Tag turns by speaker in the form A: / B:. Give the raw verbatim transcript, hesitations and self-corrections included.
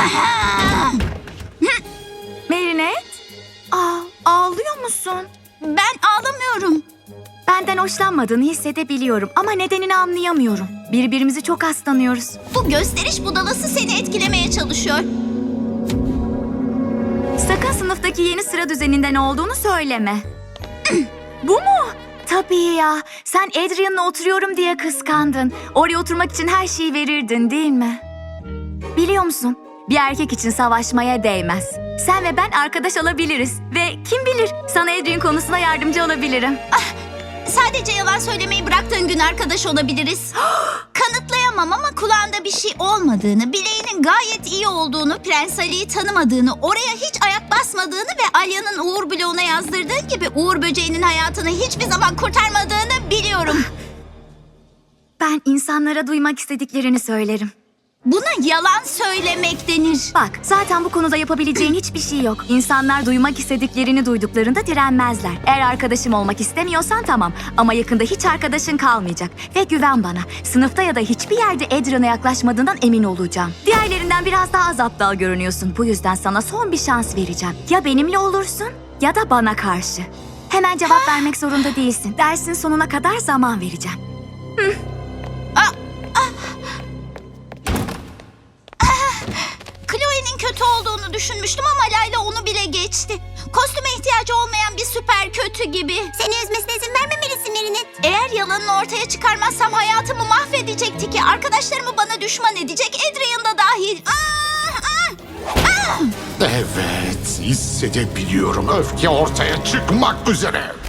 A: Marinette? Aa, ağlıyor musun?
B: Ben ağlamıyorum.
A: Benden hoşlanmadığını hissedebiliyorum ama nedenini anlayamıyorum. Birbirimizi çok aslanıyoruz.
B: Bu gösteriş budalası seni etkilemeye çalışıyor.
A: Sakın sınıftaki yeni sıra düzeninden olduğunu söyleme. Bu mu? Tabii ya. Sen Adrian'la oturuyorum diye kıskandın. Oraya oturmak için her şeyi verirdin değil mi? Biliyor musun? Bir erkek için savaşmaya değmez. Sen ve ben arkadaş olabiliriz. Ve kim bilir sana Adrian konusunda yardımcı olabilirim.
B: Sadece yalan söylemeyi bıraktığın gün arkadaş olabiliriz. Kanıtlayamam ama kulağında bir şey olmadığını, bileğinin gayet iyi olduğunu, Prens Ali'yi tanımadığını, oraya hiç ayak basmadığını ve Alya'nın Uğur bloğuna yazdırdığın gibi Uğur böceğinin hayatını hiçbir zaman kurtarmadığını biliyorum.
A: Ben insanlara duymak istediklerini söylerim.
B: Buna yalan söylemek denir.
A: Bak, zaten bu konuda yapabileceğin hiçbir şey yok. İnsanlar duymak istediklerini duyduklarında direnmezler. Eğer arkadaşım olmak istemiyorsan tamam. Ama yakında hiç arkadaşın kalmayacak. Ve güven bana. Sınıfta ya da hiçbir yerde Adrian'a yaklaşmadığından emin olacağım. Diğerlerinden biraz daha az aptal görünüyorsun. Bu yüzden sana son bir şans vereceğim. Ya benimle olursun ya da bana karşı. Hemen cevap vermek zorunda değilsin. Dersin sonuna kadar zaman vereceğim. Hı.
B: Chloe'nin kötü olduğunu düşünmüştüm ama Layla onu bile geçti. Kostüme ihtiyacı olmayan bir süper kötü gibi.
C: Seni üzmesine izin vermemelisin Marinette.
B: Eğer yalanını ortaya çıkarmazsam hayatımı mahvedecekti ki. Arkadaşlarımı bana düşman edecek, Adrian da dahil. Aa, aa, aa!
D: Evet, hissedebiliyorum. Öfke ortaya çıkmak üzere.